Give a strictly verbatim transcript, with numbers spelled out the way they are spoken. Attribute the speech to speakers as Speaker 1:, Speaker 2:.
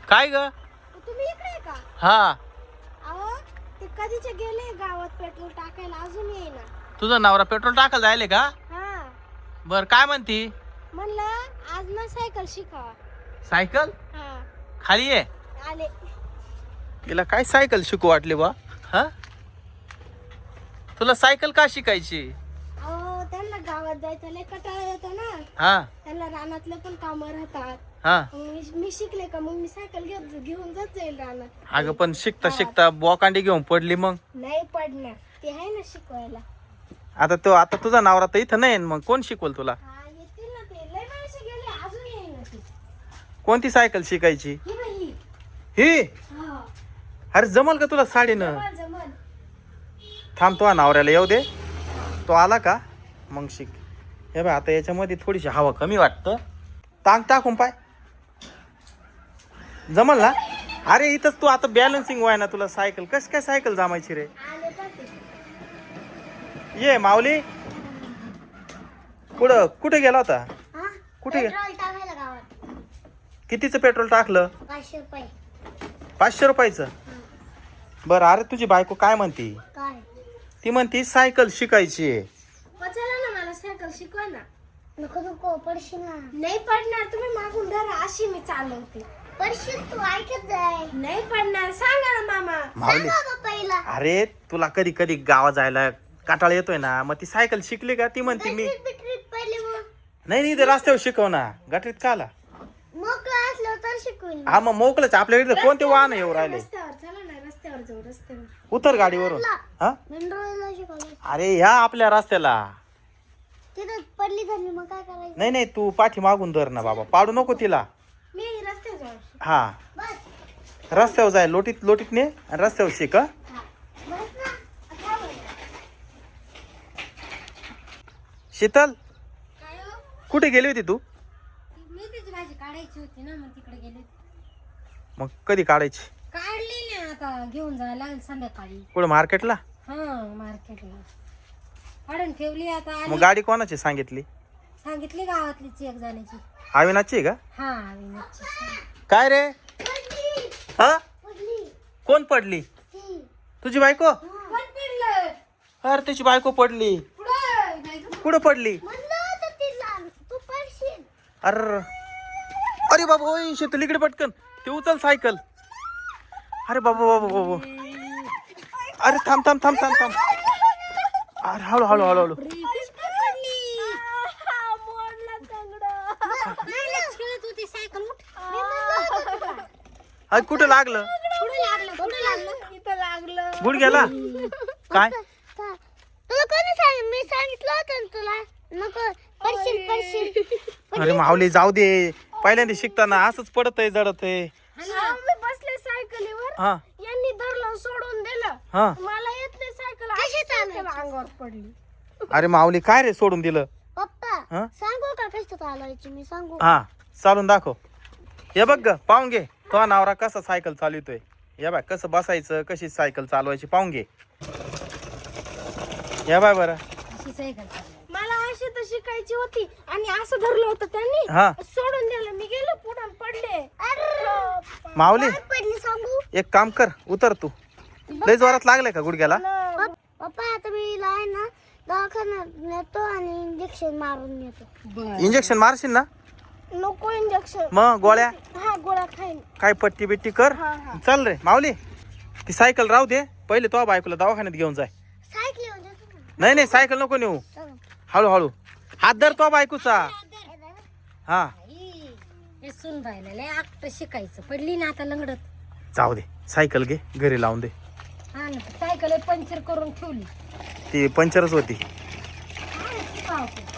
Speaker 1: काय ग?
Speaker 2: तुम्ही इकडे आहे का?
Speaker 1: हा.
Speaker 2: अहो ते कधीचे गेले गावात पेट्रोल टाकायला, अजून येईना.
Speaker 1: तुझा नवरा पेट्रोल टाकायला जायले का?
Speaker 2: हा.
Speaker 1: बर काय म्हणती?
Speaker 2: म्हणलं आज ना सायकल शिकावा.
Speaker 1: सायकल?
Speaker 2: हा.
Speaker 1: खाली ये.
Speaker 2: आले.
Speaker 1: तिला काय सायकल शिकू वाटली बा? हा, तुला सायकल का शिकायची?
Speaker 2: अहो त्यांना गावात जायचं लय कंटाळा येतो ना.
Speaker 1: हा
Speaker 2: त्यांना रानातले पण कामं राहतात.
Speaker 1: हा.
Speaker 2: मग मी मी शिकले का मग मी सायकल घेऊन घेऊन जात जाईल रानात.
Speaker 1: अगं पण शिकता शिकता बोकांडी घेऊन पडली मग.
Speaker 2: नाही पडणार, ते आहे ना शिकवायला.
Speaker 1: आता तो आता तुझा नवरा तर इथं नाही, मग कोण शिकवल तुला?
Speaker 2: हा येतील ना ते, लय वर्ष गेले अजून येईना ते.
Speaker 1: कोणती सायकल शिकायची?
Speaker 2: ही बाई ही.
Speaker 1: ही?
Speaker 2: हा.
Speaker 1: अरे जमल का तुला साडीनं?
Speaker 2: जमल जमल.
Speaker 1: थांब, तो नवऱ्याला येऊ दे. तो आला का मग शिक. हे बघ आता याच्यामध्ये थोडीशी हवा कमी वाटतं. टांग टाकून पाय, जमल ना? अरे इथंच तू आता बॅलन्सिंग व्हाय ना तुला सायकल. कस काय सायकल जमायची रे?
Speaker 2: आले पण ते.
Speaker 1: ये माऊली. कुठं कुठे गेला होता?
Speaker 2: हा?
Speaker 1: कुठे गे-
Speaker 2: पेट्रोल टाकायला गावात.
Speaker 1: कितीचं पेट्रोल टाकलं?
Speaker 2: पाचशे रुपये.
Speaker 1: पाचशे रुपयाचं. बरं, अरे तुझी बायको काय म्हणती?
Speaker 2: काय?
Speaker 1: ती म्हणती सायकल शिकायची.
Speaker 2: चला ना मला सायकल शिकवा ना. नको नको पडशील ना. नाही पडणार, तुम्ही मागून धरा, अशी मी चालवते. पडशील तू, ऐकत जाय. नाही पडणार, सांगा ना मामा.
Speaker 1: माऊली,
Speaker 2: सांगा पहिला.
Speaker 1: अरे तुला कधी कधी गावात जायला काटाळा येतोय ना, मग ती सायकल शिकली का? ती म्हणते मी
Speaker 2: पहिले मग
Speaker 1: नाही नाही, ते रस्त्यावर शिकव ना. गटरीत का आला?
Speaker 2: मोकळा असलं तर शिकवून.
Speaker 1: हा मग मोकळच. आपल्याकडे कोणते वाहन येऊ राहिले?
Speaker 2: रस्त्यावर चला ना, रस्त्यावर जाऊ, रस्त्यावर.
Speaker 1: उतर गाडीवरून. हा,
Speaker 2: मेंढराला शिकवलं.
Speaker 1: अरे ह्या आपल्या रस्त्याला.
Speaker 2: तिथं पडली झाली मग काय करायचं?
Speaker 1: नाही नाही, तू पाठी मागून धर ना बाबा, पाडू नको तिला.
Speaker 2: मी रस्त्यावर जाऊ.
Speaker 1: हा,
Speaker 2: बस.
Speaker 1: रस्त्यावर जाय, लोटीत लोटीत ने आणि रस्त्यावर शिक. हं?
Speaker 2: हा. बस ना. आता बघ.
Speaker 1: शीतल,
Speaker 2: काय हो?
Speaker 1: कुठे गेली होती तू?
Speaker 2: मी त्याची भाजी काढायची होती ना, मग तिकडे गेले.
Speaker 1: मग कधी काढायची?
Speaker 2: काढली ना, आता घेऊन जायला लागेल संध्याकाळी.
Speaker 1: कुठे मार्केटला?
Speaker 2: हा मार्केटला काढून ठेवली. आता आली.
Speaker 1: मग गाडी कोणाची सांगितली?
Speaker 2: सांगितली गावातलीच एक जणाची.
Speaker 1: अविनाशची आहे का?
Speaker 2: हा विनोदची.
Speaker 1: काय रे? हा,
Speaker 2: पडली.
Speaker 1: कोण पडली?
Speaker 2: ती.
Speaker 1: तुझी बायको?
Speaker 2: कोण पडलं?
Speaker 1: अरे त्याची बायको पडली.
Speaker 2: पुढं. नाही गं.
Speaker 1: कुठं पडली?
Speaker 2: म्हणलं होतं तिला, तू पडशील.
Speaker 1: अरे अरे बाबा, ओय शीतल इकडे पटकन. ते उचल सायकल. अरे बाबा बाबा बाबा, अरे थांब थांब थांब थांब थांब. अरे हळू हळू हळू हळू. अरे कुठं लागलं? गुड गेला काय?
Speaker 2: तुला कोणी सांगितलं? मी सांगितलं होतं ना तुला. नको पडशील पडशील.
Speaker 1: अरे माऊली जाऊ दे, पहिल्यांदा शिकताना असंच पडत आहे, जडत आहे.
Speaker 2: मी बसले सायकलीवर,
Speaker 1: हा
Speaker 2: यांनी धरलं सोडून दिलं.
Speaker 1: हा.
Speaker 2: मला येत नाही सायकल, अशी सायकल अंगावर पडली.
Speaker 1: अरे माऊली काय रे सोडून दिलं?
Speaker 2: पप्पा
Speaker 1: हा?
Speaker 2: सांगू का कसं चालवायची? मी सांगू.
Speaker 1: हा, चालून दाखव. हे बघ ग, पाहून घे तो नवरा कसा सायकल चालवतोय. या बाय कसं बसायचं, कशी सायकल चालवायची पाहून घे. या बाय बरं.
Speaker 2: अशी सायकल मला अशी तर शिकायची होती, आणि असं धरलं होतं त्यांनी,
Speaker 1: हा
Speaker 2: सोडून दिलं. मी गेलो पुढे पडले.
Speaker 1: माऊली
Speaker 2: पडली सांगू.
Speaker 1: एक काम कर, उतर तू. लय जोरात लागले का गुडघ्याला?
Speaker 2: पप्पा आता मी आहे ना दवाखान्यात नेतो आणि इंजेक्शन मारून येतो.
Speaker 1: इंजेक्शन मारशील ना?
Speaker 2: नको इंजेक्शन.
Speaker 1: मग गोळ्या
Speaker 2: हा गोळ्या खाईन.
Speaker 1: काय पट्टी बिट्टी कर.
Speaker 2: हा, हा.
Speaker 1: चल रे माऊली, ती सायकल राहू दे. पहिले तो बायकोला दवाखान्यात घेऊन जाय.
Speaker 2: सायकल येऊन जातो ना.
Speaker 1: नाही नाही, सायकल नको नेऊ.
Speaker 2: चला.
Speaker 1: हळूहळू हात धर तो बायकोचा. हा
Speaker 2: हे सुन राहिलं लय आकट शिकायचं. पडली ना आता लंगडत.
Speaker 1: जाऊ दे, सायकल घे घरी लावून दे.
Speaker 2: हा ना, सायकल पंक्चर करून ठेवली.
Speaker 1: ती पंचरच होती.
Speaker 2: काय शिकावं?